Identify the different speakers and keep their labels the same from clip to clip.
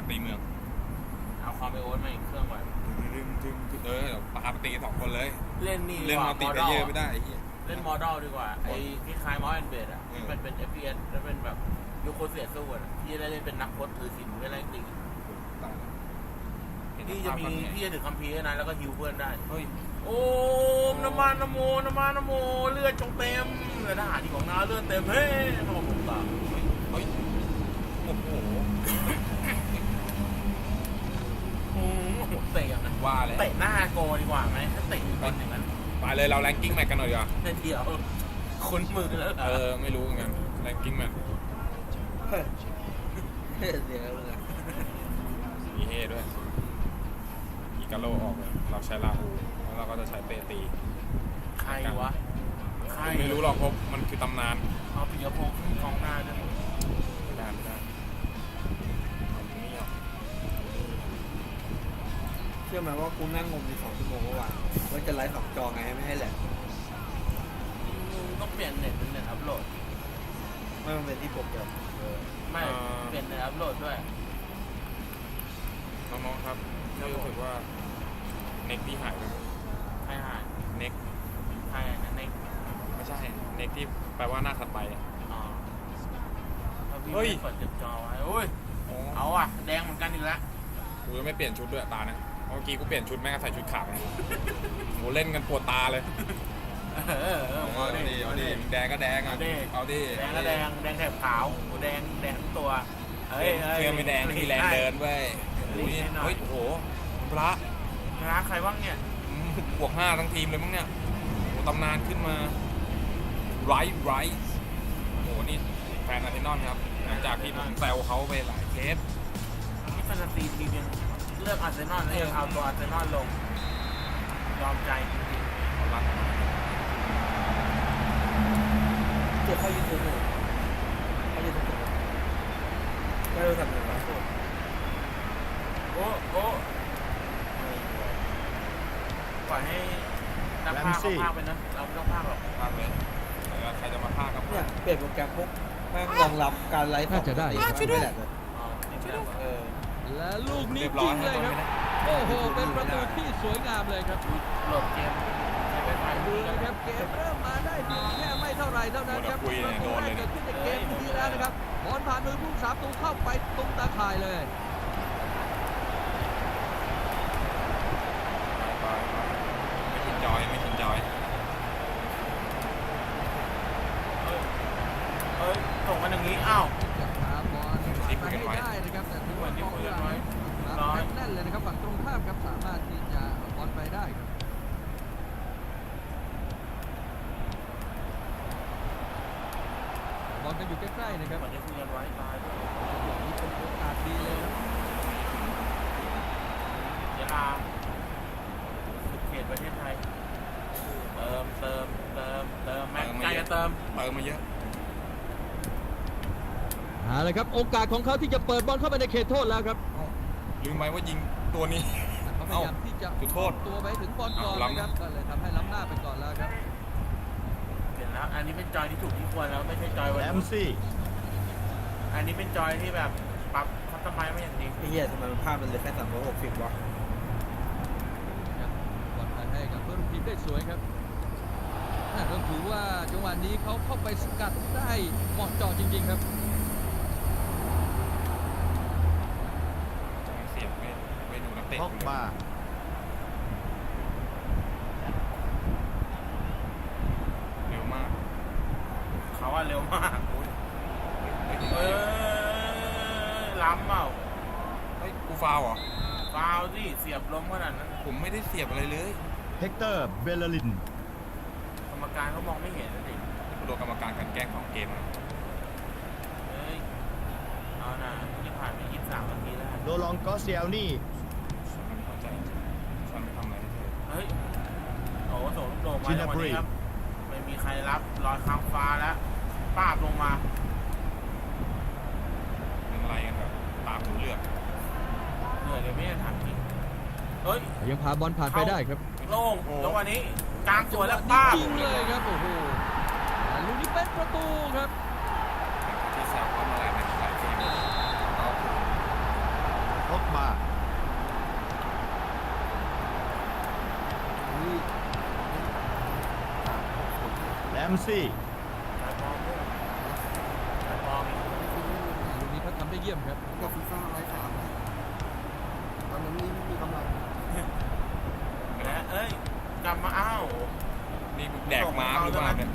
Speaker 1: ตีเมือง
Speaker 2: เอาความไปโอ๊ตมาอีกเครื่องก่อน
Speaker 1: ปาตี2 คนเลย
Speaker 2: เล่นนี่
Speaker 1: เล่นมัลติเพลเยอร์ไม่ได้
Speaker 2: เล่นมอดอลดีกว่าไอ้ที่คล้ายมอสแอนเบดอ่ะที่มันเป็น FPS แล้วเป็นแบบยูโคเซียสู้อ่ะที่ได้เล่นเป็นนักพจน์ถือศีลไม่ได้ตีที่จะมีที่จะถือคัมภีร์นะแล้วก็ฮิวเพื่อนได้โอ้น้ำมันน้ำโมน้ำมันน้ำโมเลือดจงเต็มเลยทหารที่ของน้าเลือดเต็มเฮ้ยมาผมตา
Speaker 1: โอ้โห
Speaker 2: เตะอย่างนั้น
Speaker 1: ว่าเลย
Speaker 2: เตะหน้าโกดีกว่าไหมถ้าเตะเป็นอย่างนั้น
Speaker 1: ไปเลยเราแรงกิ้งแมตช์กันหน่อยดีกว่า
Speaker 2: เดี๋ยวคุ้นมือแล้ว
Speaker 1: ไม่รู้เหมือนกันแรงกิ้งแมตช์
Speaker 3: เดี๋ยวเลย
Speaker 1: มีเฮด้วยอีกาโลออกเลยเราใช้ลาหูแล้วเราก็จะใช้เปตี
Speaker 2: ใครวะใคร
Speaker 1: ไม่รู้หรอกเพราะมันคือตำนาน
Speaker 2: เอาปิยพงษ์ขึ้นกองหน้าด้วย
Speaker 1: ไม่ได้
Speaker 3: เชื่อไหมว่ากูนั่งงมใน2 ชั่วโมงเมื่อวานว่าจะไลฟ์2 จอไงไม่ให้แหลก
Speaker 2: ต้องเปลี่ยนเน็ตเป็นเน็ตอัพโหลด
Speaker 3: ไม่มันเป็นที่โปรแกรม
Speaker 2: ไม่เปลี่ยนเน็ตอัพโหลดด้วย
Speaker 1: น้องๆครับรู้สึกว่าเน็กที่หายไป
Speaker 2: ใครหาย
Speaker 1: เน็ก
Speaker 2: ใครเน็ก
Speaker 1: ไม่ใช่เน็กที่แปลว่าหน้าถัดไป
Speaker 2: เฮ้ยกดจับจอไว้โอ้ยเอาอ่ะแดงเหมือนกันอีกแล้ว
Speaker 1: กูจะไม่เปลี่ยนชุดด้วยตานะเมื่อกี้กูเปลี่ยนชุดแม่งใส่ชุดขาวโหเล่นกันปวดตาเลยเอาดิแดงก็แดงอ่ะเอาดิ
Speaker 2: แดงก็แดงแถบขาวแดงทั้งตัว
Speaker 1: เสื้อไม่แดงมีแรงเดินเว้ยเฮ้ยโอ้โหพระ
Speaker 2: ใครบ้างเนี่ย
Speaker 1: บวก5ทั้งทีมเลยมั้งเนี่ยโอ้ตำนานขึ้นมาไรโอ้โหนี่แฟนอาร์เซนอลครับหลังจากที่ผมแซวเขาไปหลายเคส
Speaker 2: ที่แฟนตาซีทีมยังเลือกอาร์เซนอลแล้วยังเอาตัวอาร์เซนอลลงยอมใจจริงๆเขารัก
Speaker 3: เดี๋ยวเขายืนตัวเลยเขายืนตัวไม่รู้ทำยังไง
Speaker 2: โอ้ปล่อยให้นักพากย์เขาพากย์ไปนะเราไม่ต้องพากย์หรอก
Speaker 1: พากย์เลยใครจะมาพากย์ก็
Speaker 3: เนี่ยเปลี่ยนโปรแกรมพวกแม่งรองรับการไลฟ์
Speaker 4: น่าจะได้
Speaker 3: ช่วยด้วย
Speaker 4: และลูกนี้จริงเลยครับโอ้โหเป็นประตูที่สวยงามเลยครับ
Speaker 2: หลบเกม
Speaker 4: ดูนะครับเกมเริ่มมาได้เพียงแค่ไม่เท่าไรเท่านั้นครับประตูแรกเกิดขึ้นในเกมนี้แล้วนะครับบอลผ่านมือผู้รักษาประตูเข้าไปตรงตาข่ายเลย
Speaker 1: ไม่ชินจอย
Speaker 2: ส่งกันอย่างนี้อ้าว
Speaker 4: จะพาบอลมาให้ได้นะครับแต่ถือว่าบอลไว้แน่นเลยนะครับฝั่งตรงข้ามครับสามารถที่จะบอลไปได้ครับบอลกันอยู่ใกล้ๆนะครับ
Speaker 2: มันจะคุยกันไว้ตายด้วย
Speaker 4: นี่เป็นโอกาสดีเลยครับ
Speaker 2: ยะลาสุดเขตประเทศไทยเติมแม็กใจจะเติม
Speaker 1: มาเยอะ
Speaker 4: เลยครับโอกาสของเขาที่จะเปิดบอลเข้าไปในเขตโทษแล้วครับ
Speaker 1: ลืมไปว่ายิงตัวนี้
Speaker 4: เขาพยายามที่จะ
Speaker 1: โทษ
Speaker 4: ตัวไปถึงบอลก่อนนะครับก็เลยทำให้ล้ำหน้าไปก่อนแล้วครับ
Speaker 2: เห็นแล้วอันนี้เป็นจอยที่ถูกที่ควรแล้วไม่ใช่จอยวัน
Speaker 3: นี้
Speaker 2: อันนี้เป็นจอยที่แบบปรับคัสตอมไมซ์ไม่อย่างดี
Speaker 3: ไอ้เหี้ยทำไมมันภาพมันเลยแค่360วะ
Speaker 4: บอลให้กับเพื่อนทีมได้สวยครับต้องถือว่าจังหวะนี้เขาเข้าไปสกัดได้เหมาะเจาะจริงๆครับ
Speaker 1: เสียบไม่ดูนักเตะ
Speaker 3: มา
Speaker 1: เร็วมาก
Speaker 2: เขาว่าเร็วมากล้ำเปล่า
Speaker 1: กูฟาวเหรอ
Speaker 2: ฟาวสิเสียบล้มขนาดนั้น
Speaker 1: ผมไม่ได้เสียบอะไรเลย
Speaker 5: เฮกเตอร์เบลลิน
Speaker 2: กรรมการเขามองไม่เห็นนะดิ
Speaker 1: โดนกรรมการกันแกล้งของเกม
Speaker 2: เอานะที่ผ่านไป23 นาทีแล้ว
Speaker 5: โรลองกอสเซียลนี่
Speaker 1: ฉันไม่เข้าใจฉันไม่ทำอะไรให้เธอ
Speaker 2: เฮ้ยโอ้โหลูกโด่งมาในวันนี้ครับไม่มีใครรับลอยค้างฟ้าแล้วป้าบลงมา
Speaker 1: อะไรกันแบบตามหูเลือด
Speaker 2: เดี๋ยวไม่ได้ถามจริงเฮ้ย
Speaker 4: ยังพาบอลผ่านไปได้ครับ
Speaker 2: โล่งแล้ววันนี้กลางสวยแล้วป้า
Speaker 4: จริงเลยครับโอ้โหลูกนี้เป็นประตูครับ
Speaker 1: ที่แซวว่าเมื่อไหร่ในหลายเกม
Speaker 5: มซี่
Speaker 2: จ่ายบอลด้วยจ่ายบอล
Speaker 4: ลูกนี้เขาทำได้เยี่ยมครับ
Speaker 3: กับฟีฟ่า103นะตอนนั้นนี่ไม่มีกำลัง
Speaker 2: และเอ้ยกลับมาอ้าว
Speaker 1: นี่แดกม้าหรือเปล่าเนี่ย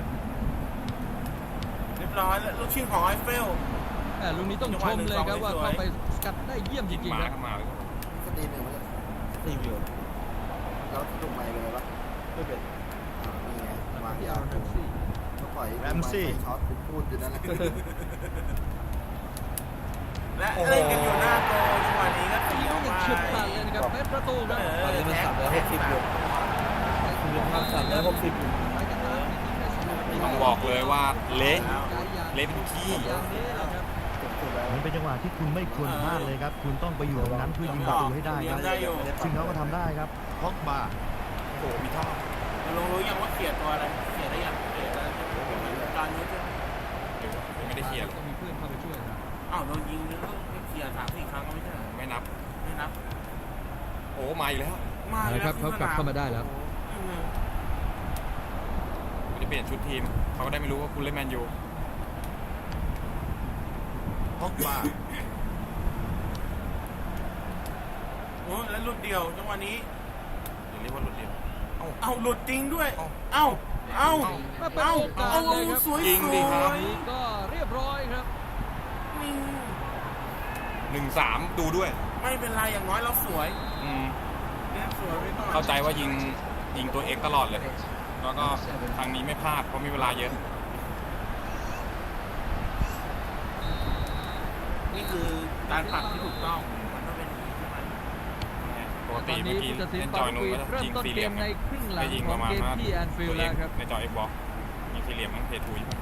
Speaker 2: เรียบร้อยแล้วลูกชิงของไอเฟล
Speaker 4: ลูกนี้ต้องชมเลยครับว่าเข้าไปสกัดได้เยี่ยมจ
Speaker 1: ยิง
Speaker 4: ริง
Speaker 1: ม้า
Speaker 4: ๆครับ
Speaker 1: เข้ามาเลย
Speaker 3: สตรีมหนึ่งมันจะสตรีมอยู่แล้วถูกไมค์เลยปะไม่เป็นนี่ไงวางยาวก็ปล่อยช็อตพูดอยู่นั่นแหละ
Speaker 2: และเล่นกันอยู่หน้าโกจังหวะนี้ก็ตี
Speaker 4: ยิง
Speaker 2: ออก
Speaker 4: อย่าง
Speaker 2: มา
Speaker 4: เฉียบขาดเลยนะครับเป็นประตูครับ
Speaker 3: ตอนนี้มัน360อยู่คือความ360อยู่
Speaker 4: ไปกันมายิงได้2นาที
Speaker 1: ต้องบอกเลยว่าเละ
Speaker 4: ย้ายยาง
Speaker 1: เละเป็นขี้
Speaker 4: อย่างนี้แหละครับ
Speaker 5: มันเป็นจังหวะที่คุณไม่ควรพลาดเลยครับ คุณต้องไปอยู่ตรงนั้นเพื่อยิงประตูให้ได้ครับ ซึ่งเขาก็ทำได้ครับพ็อกบา
Speaker 1: โอ้โหมีท่อ
Speaker 2: ลงรู้ยังว่าเขียดตัวอะไรเขียดได้ยังเขียดอะไรการนี้ใช่ไหม
Speaker 1: ไม่ได้เคลียร์
Speaker 4: ต้องมีเพื่อนเข้าไปช่วยนะ
Speaker 2: อ้าวโดนยิงแล้วไม่เขียด3-4 ครั้งก็ไม่ใช่
Speaker 1: ไม่นับ
Speaker 2: ไม่นับ
Speaker 1: โอ้มาอีกแล้ว
Speaker 2: มาแล้ว
Speaker 4: ครับเขากลับเข้ามาได้แล้ว
Speaker 1: ไม่ได้เปลี่ยนชุดทีมเขาก็ได้ไม่รู้ว่าคุณเล่นแมนยู
Speaker 5: พ็อกบา
Speaker 2: โอ้แล้วหลุดเดียวจังหวะนี้
Speaker 1: อย่าเรียกว่าหลุดเดียว
Speaker 2: เอาหลุดจริงด้วย
Speaker 1: เอ้า
Speaker 2: เอ้า
Speaker 4: มาเป็นโอกาสเลยครับ
Speaker 2: สวย
Speaker 1: ยิงดิครับ
Speaker 4: นี่ก็เรียบร้อยครับ
Speaker 1: 1-3ดูด้วย
Speaker 2: ไม่เป็นไรอย่างน้อยเราสวย
Speaker 1: อืม
Speaker 2: เนี่ยสวยไปก่อน
Speaker 1: เข้าใจว่ายิงตัวเอกตลอดเลย แล้วก็ทางนี้ไม่พลาดเพราะมีเวลาเยอะ
Speaker 2: นี่คือการปรับที่ถูกต้องมันต้องเป็นอย่างนี้ใช่ไหม
Speaker 1: ปก
Speaker 4: ต
Speaker 1: ติ
Speaker 4: อน
Speaker 1: เมื่
Speaker 4: นี้
Speaker 1: อกี้
Speaker 4: ผู้ตัดสิน
Speaker 1: เล่น
Speaker 4: ปา
Speaker 1: จอย
Speaker 4: ร์
Speaker 1: นูน
Speaker 4: คุย
Speaker 1: ก็
Speaker 4: เริ่ม
Speaker 1: ยิง
Speaker 4: ต้น
Speaker 1: สี่เห
Speaker 4: เก
Speaker 1: ลี่ย
Speaker 4: ม
Speaker 1: ม
Speaker 4: ในครึ่งหลัง
Speaker 1: ได้ยิง
Speaker 4: ข
Speaker 1: ป
Speaker 4: อง
Speaker 1: ระมาณ
Speaker 4: เกม
Speaker 1: ว่า
Speaker 4: ที่แอนฟิล
Speaker 1: ตัว
Speaker 4: ด์
Speaker 1: เอ
Speaker 4: แล้ว
Speaker 1: ก
Speaker 4: ครับ
Speaker 1: ในจอ Xbox ยิงสี่เหลี่ยมมันเพทุย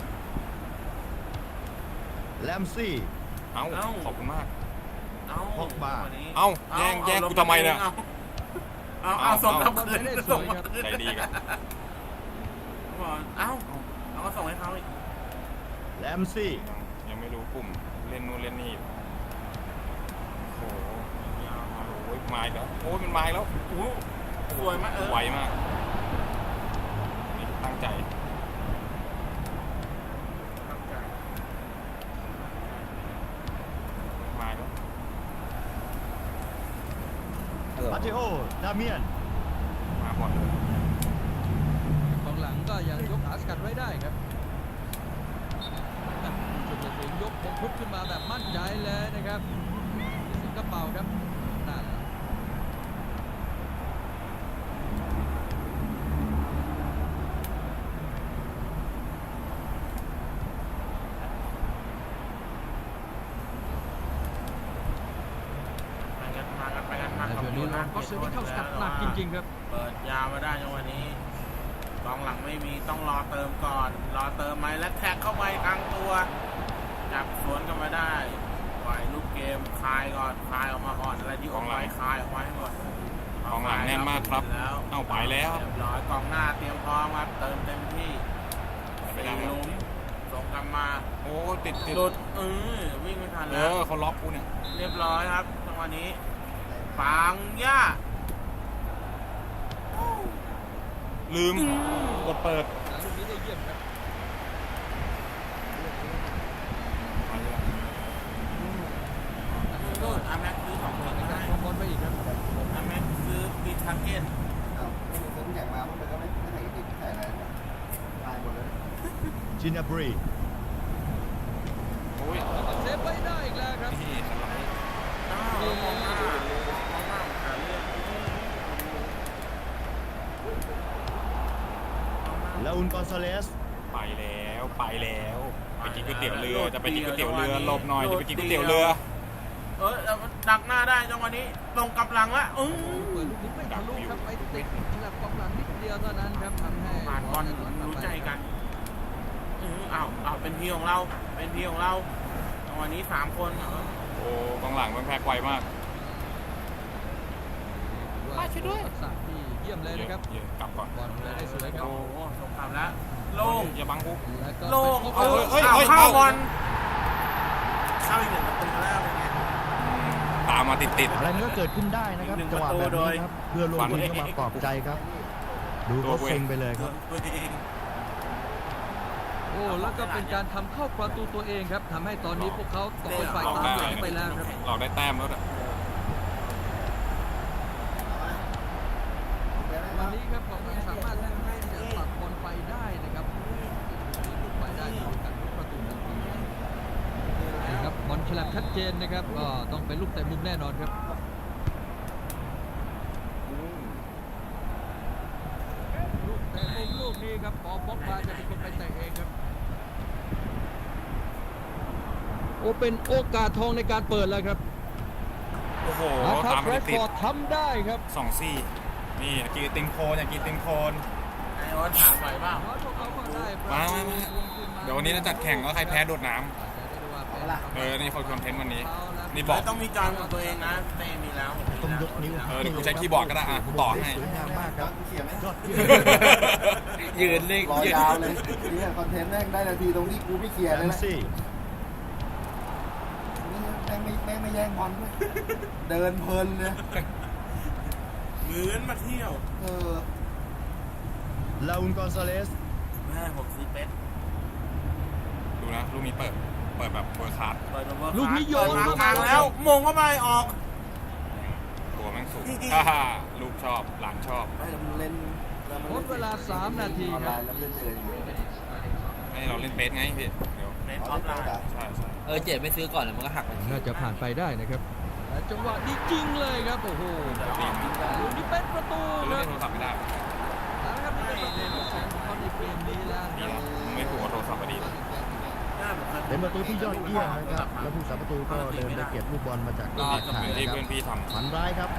Speaker 5: แลมซี่
Speaker 1: เอ้าขอบคุณมาก
Speaker 2: เอ้า
Speaker 5: พกบ้า
Speaker 2: วันนี้
Speaker 1: เอ้าแย่งกูทำไมเนี่ย
Speaker 2: เอาส่งกลับคืนส่งมาคืน
Speaker 1: ใจดีกัน
Speaker 2: เอ้าเอาก็ส่งให้เขาอีก
Speaker 5: แลมซี่
Speaker 1: ยังไม่รู้กลุ่มเล่นนู่นเล่นนี่อยู่โอ้โหโอ้ยมาอีกแล้วโอ้ยมันมาอีกแล้ว
Speaker 2: โอ้สวยมาก
Speaker 1: ไวมากนี่ตั้งใจมาอีกแล้ว
Speaker 5: มาเทโอ ดาเมียน
Speaker 1: มาบ่อยเลย
Speaker 4: ของหลังก็ยังยกขาสกัดไว้ได้ครับจุดตัดสินยกพงพุทธขึ้นมาแบบมั่นใจเลยนะครับที่สิงกระเป๋าครับนั่นแหละ
Speaker 2: ไปกันมา
Speaker 4: แต่
Speaker 2: กับ
Speaker 4: เดี๋ยวนี้เราก็เซอร์นี่เข้าสกัดหนักจริงๆครับ
Speaker 2: เปิดยาวมาได้จังวันนี้กองหลังไม่มีต้องรอเติมก่อนรอเติมไหมและแท็กเข้าไปกลางตัวจับสวนกันมาได้ปล่อยลูกเกมคลายก่อนคลายออกมาก่อนอะไรที่ออกไปคลายออกมาให้หมด
Speaker 1: กองหลังแน่นมากครับ
Speaker 2: แล้ว
Speaker 1: เอ้าไปแล้ว
Speaker 2: เรียบร้อยกองหน้าเตรียมพร้อมครับเติมเต็มที่
Speaker 1: ไป
Speaker 2: สี่
Speaker 1: แล้ว
Speaker 2: หลุมส่งกลับมา
Speaker 1: โอ้ติด
Speaker 2: หลุดวิ่งไม่ทัน
Speaker 1: เอ
Speaker 2: แล้ว
Speaker 1: อเขาล็อกกูเนี่ย
Speaker 2: เรียบร้อยครับจังหวะนี้ปังย่า
Speaker 1: ลืมกดเปิด
Speaker 4: ลูกนี้ได้เยี่ยมครับ
Speaker 2: โดนอาแม็กซื้อ2 คน
Speaker 4: ใน
Speaker 2: ได้
Speaker 4: การครองบอลไปอีกครับ
Speaker 2: อาแม็กซื้อปีทาร์เก็ต
Speaker 3: อ้าวซื้อแข่งมาพวกมันก็ไม่ใส่ติดใส่อะไรตายหมดเลย
Speaker 5: จินาบรี
Speaker 1: โอ้ย
Speaker 4: เซฟไว้ได้อีกแล้วครับ
Speaker 1: นี่สไลด์
Speaker 2: อ้าวมองหน้หาเรื่อง
Speaker 5: ลาอุนกอนซาเลส
Speaker 1: ไปแล้วไปกินก๋วยเตี๋ยวเรือจะไปกินก๋วยเตี๋ยวเรือหลบหน่อยจะไปกินก๋วยเตี๋ยวเรือ
Speaker 2: ดักหน้าได้จังหวะนี้ตรงกับหลังละ
Speaker 4: เปิดลูกนี้ไม่ทะลุครับไปติดหลักกองหลังนิดเดียวเท่านั้นครับทำให้
Speaker 2: ผ่านบอลรู้ใจกันอ้าวเป็นทีของเราเป็นทีของเราจังหวะนี้3 คน
Speaker 1: โอ้กองหลังมันแพ้ไวมาก
Speaker 4: ว่าช่วยด้วยทักษะที่เยี่ยมเลยนะครับ
Speaker 1: เยอะกลับก่อน
Speaker 4: บอลเลยได้สวยครับ
Speaker 2: โอ้โหสงครามแล้วโล่ง
Speaker 1: อย่าบังกู
Speaker 4: แล้วก็
Speaker 2: โล่ง
Speaker 4: ไปพบ
Speaker 2: เข้าบอลเข้าอีก1 ประตูแล้วเป็นไง
Speaker 1: ตามมาติด
Speaker 5: อะไรมันก็เกิดขึ้นได้นะครับ
Speaker 2: อีกหนึ่ง
Speaker 5: จังหวะแบบ
Speaker 2: ประตูโด
Speaker 5: นี้
Speaker 2: ย
Speaker 5: ครับ เพื่อนร่วมทีมก็มาปลอบใจครับ ดูเขาเซ็งไปเลยครับ
Speaker 2: ตัวเอง
Speaker 4: โอ้แล้วก็เป็นการทำเข้าประตูตัวเองครับทำให้ตอนนี้พวกเขาตกเป็นฝ่ายตามหลังไปแล้วครับ
Speaker 1: เราได้แต้มแล้วด้วย
Speaker 4: วันนี้ครับของเราสามารถให้จะตัดบอลไปได้นะครับไปได้โดยการทุกประตูทันทีนะครับบอลฉลับชัดเจนนะครับก็ต้องเป็นลูกเตะมุมแน่นอนครับลูกเตะมุมลูกนี้ครับปอบ็อกบาจะเป็นคนไปเตะเองครับโอ้เป็นโอกาสทองในการเปิดแล้วครับ
Speaker 1: โอ้โห
Speaker 4: นะครับ
Speaker 1: ตาม
Speaker 4: แร
Speaker 1: ไป
Speaker 4: ด
Speaker 1: ติ
Speaker 4: ฟ
Speaker 1: ด
Speaker 4: อร์ดทำได้ครับ
Speaker 1: สองซี่นี่อยากกินไอติมโคนอยากกินไอติมโคน
Speaker 2: ไอ้โอ๊ตถามหน่อยเปล่า
Speaker 4: น้อยพวกเขาก็ได้ประ
Speaker 1: มา
Speaker 4: ตู
Speaker 1: มา
Speaker 4: คืนมา
Speaker 1: เดี๋ยววันนี้เราจัดแข่งแล้วใครแพ้โดดน้ำ นี่คนคอนเทนต์วันนี้ นี่บอก
Speaker 2: ต้องมีจอนของตัวเองนะเต้มีแล้ว
Speaker 5: ต้องยกนิ้ว
Speaker 1: เดี๋ยวกูใช้คีย์บอร์ดก็ได้อ่ะต่อให้
Speaker 5: สวยงามมากครับ
Speaker 3: เขียนไหม
Speaker 5: ยอดเยี่ยม
Speaker 1: ยืนนิ่ง
Speaker 3: รอยาวเลยนี่คอนเทนต์แม่งได้นาทีตรงที่กูไม่เคลียร์
Speaker 5: แร
Speaker 3: เลย
Speaker 5: ม
Speaker 3: นะ
Speaker 5: ซี่
Speaker 3: แม่งไม่แย่งบอลด้วยเดินเพลินเลย
Speaker 2: เหมือนมาเที่ยว
Speaker 5: ลาอุนกอนซาเลส
Speaker 2: แม่ผมซื้อเป็ด
Speaker 1: ดูนะลูกนี้เปิดแบบเวอร์คลาส
Speaker 2: เปิดมาเบอร์
Speaker 4: ลูกนี้โยน
Speaker 2: เปิดมากลางแล้วมงเข้าไปออก
Speaker 1: ตัวแม่งสูง ลูกชอบหลานชอบ
Speaker 3: ไม่เราเล่น
Speaker 4: หมดเวลา3 นาที
Speaker 3: ออน
Speaker 4: ค
Speaker 3: ไล
Speaker 4: รับ
Speaker 3: น์แล้วเล่นเอง
Speaker 1: ให้เราเล่นเบสไงพี่เดี๋ยว
Speaker 2: เป็ดออฟไลน์
Speaker 1: ใช่
Speaker 6: เจ็ดไม่ซื้อก่อนแล้วมันก็หักไป
Speaker 4: น่าจะผ่านไปได้นะครับแต่จังหวะนี้จริงเลยครับโอ้โห
Speaker 1: ตีม
Speaker 4: ลูกนี้เป็นประตู
Speaker 1: เล่
Speaker 4: คน รับ
Speaker 1: โทรศัพท์ไม่ได้
Speaker 4: แล้วนะครับนี่เป็นประตูที่สองของเขาในเกมนี้แล้ว
Speaker 1: ดี
Speaker 4: นะ
Speaker 1: นะไม่ถูกกับโทรศัพท์พอดี
Speaker 5: เป็นประตูที่ยอดเยี่ยมนะครับ แล้วผู้สาประตูก็เดินไปเก็บลูกบอลมาจากตรง
Speaker 1: นี่
Speaker 5: ตาข่าย
Speaker 1: เป็นที่
Speaker 5: นะครับ
Speaker 1: เพื่อนพี่ทำ
Speaker 5: ฝันร้ายครับ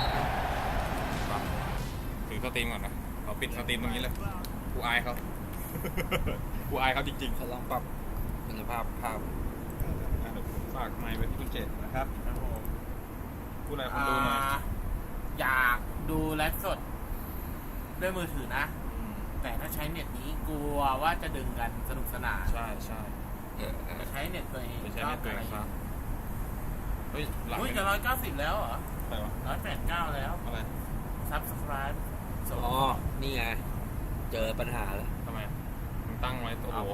Speaker 1: ถือสตรีมก่อนนะเราปิดสตรีมตรงนี้เลยกูอายเขา กูอายเขาจริงๆ
Speaker 6: เขาลองปรับคุณภาพภาพ
Speaker 1: เดี๋ยวผมฝากไมค์ไว้ที่คุณเจตนะครับพูดอะไรคนดูหน่อย
Speaker 2: อยากดูไลฟ์สด ด้วยมือถือนะ แต่ถ้าใช้เน็ตนี้กลัวว่าจะดึงกันสนุกสนาน
Speaker 1: ใช่ใช่
Speaker 2: ใช้เน็ตตัวเอง
Speaker 1: ไม่ใช่เน็ตตัวเองครับเฮ้ยหลัง
Speaker 2: อุ้ย
Speaker 1: ไม่
Speaker 2: จะ
Speaker 1: ได้
Speaker 2: 190แล้วเหรอ
Speaker 1: อะไรวะ
Speaker 2: 189แล้ว
Speaker 1: อะไร
Speaker 2: Subscribe ส่ง
Speaker 6: อ๋อ นี่ไง เจอปัญหาแล้ว
Speaker 1: ทำไมมึงตั้งไว้โอ้โห